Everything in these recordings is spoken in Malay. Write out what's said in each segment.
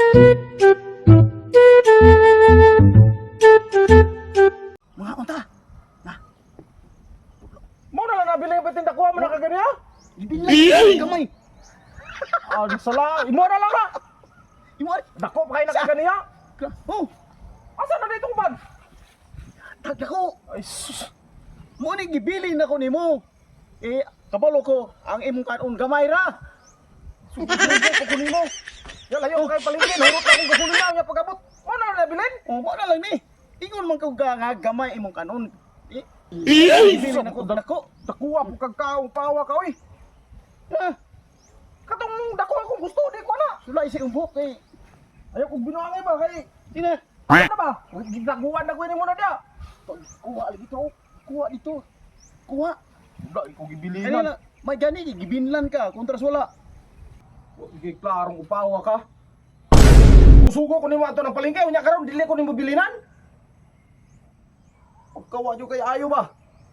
Mga unta. Mo na lang nabili ang patinda ko mo na kagani ha? Ibinlay kamay. Ah, sala, imo na lang na. Imo Dako pa kay na kagani ha? oh, Asa na dito ban? dako. Ay sus. Mo ni gibili na ko nimo. Kabalo ko ang imong kanon gamay ra. Sugo ko kunimo. Ya layo kay palengke, hurot na akong gasolina nya pagabot. Mo na nabilin? Oh, mo na lang ni. Ingon man ka nga gamay imong kanon. Bili Ibili na na ko ko dako. Dakuha po kag kaong pawa ka oy. Katong dako akong gusto di ko na. Sulay si umbok kay. Ayaw kong binuangay ba kay. Tina. Ano ba? Ginaguan na ko ni mo na dia. Kuha lagi to. Kuha dito. Kuha. Wala ko gibilinan. Kanina may gani gibinlan ka kontras wala. Sige, klarong upawa ka. Usugo ko ni mo ato ng palengke, unya karon dili ko nimo bilinan. Pagkawa nyo kay ayo ba?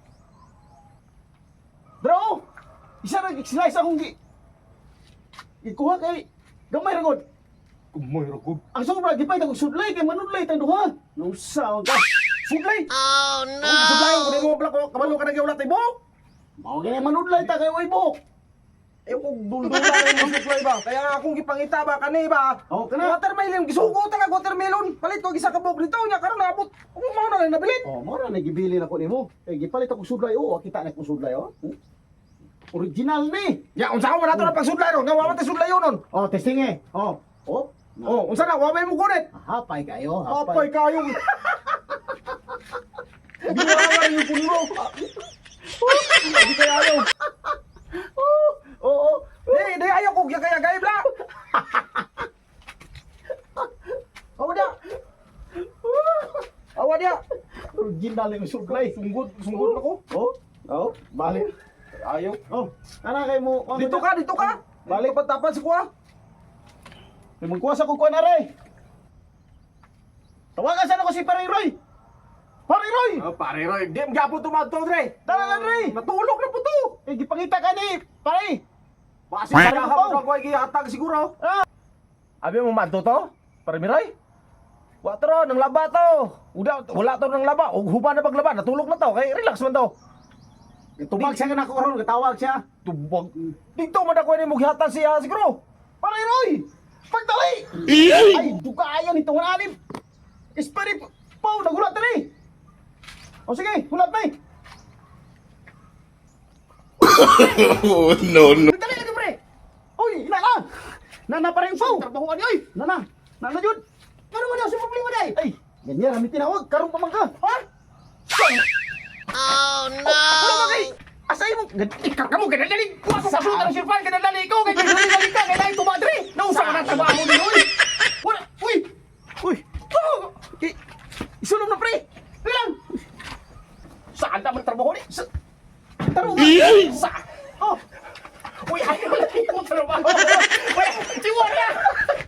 Bro, isa ra slice akong ikuha kay gamay ra gud. Kumoy ragod. Ang sobra gipay tag sudlay kay manudlay tang duha. No sound ka. Suglay. Oh no. Suglay ko nimo bla ko kabalo ka nagyawlat ibo. Mao gani manudlay ta kay way bok. Eh kung duldula mo suglay ba? Kaya akong gipangita ba kani ba? Oh, kana. Watermelon gisugo ta ka watermelon. Palit ko gisa ka bok dito unya karon naabot. Mo na lang nabilin. Oh, mo ra nagibili na ko nimo. Kay gipalit ako sudlay oh, kita na ko sudlay oh. Original ni. Ya unsa ko man ato na pagsudlay ron, nga wa man ta sudlay nun. Oh, testing eh. Oh. Oh. Oh, unsa na wa may mo kunit? Hapay kayo, Apay kayo. Binuangan yung puno mo. Hindi kaya ayaw. Oo. Di ayaw ko kaya gaya bla. Awa dia. Awa dia. Original yung sudlay. Sunggod ako. Oh. Oh, balik. Ayaw. Oh, ana kay mo. Dito ka. Balik patapan sa kuha. Magkuha sa kukuha na rin. Tawagan sana ko si Paring Roy. Paring Roy! Oh, pare Roy, di magapo tumadto dre. Talaga, Dre. Natulog na po to. Eh, gipangita ka ni, pare. Basi para hapon ko gihatag siguro. Abi mo madto to? Pare Miroy? Wa tro nang laba to. Wala to nang laba. Og huba na paglaba, natulog na to. Kay relax man to. Tubag siya na ko ron, katawag siya. Tubag. Dito man ako ni mo gihatag siya siguro. Paring Roy! Pagtali! Ay, dukayan itong anim. Ispari, Pau, nagulat na ni. O sige, hulat na eh. Oh, no, no. Pagtali ka, pre. Uy, inana. Nana pa rin, Pau. Trabahuan niyo, eh. Nana, Jud. Ano mo daw, sa problema day? Ay, ganyan, kami tinawag. Karong pa man ka. Ha? Oh, no. Ano ba kay? Asay mo, kamu ganadali. Kuha ko kasuta ng sirpan, ganadali ko. Kaya ganadali ka, kaya dahil kumadre. Nausa ka na trabaho mo din, uy. Wala, uy. Uy. Oh. Isulong na, pre. Bilang. Saan naman trabaho ni? Taro ba? Saan? Oh. Uy, ayaw na yung trabaho. Uy, tiwala.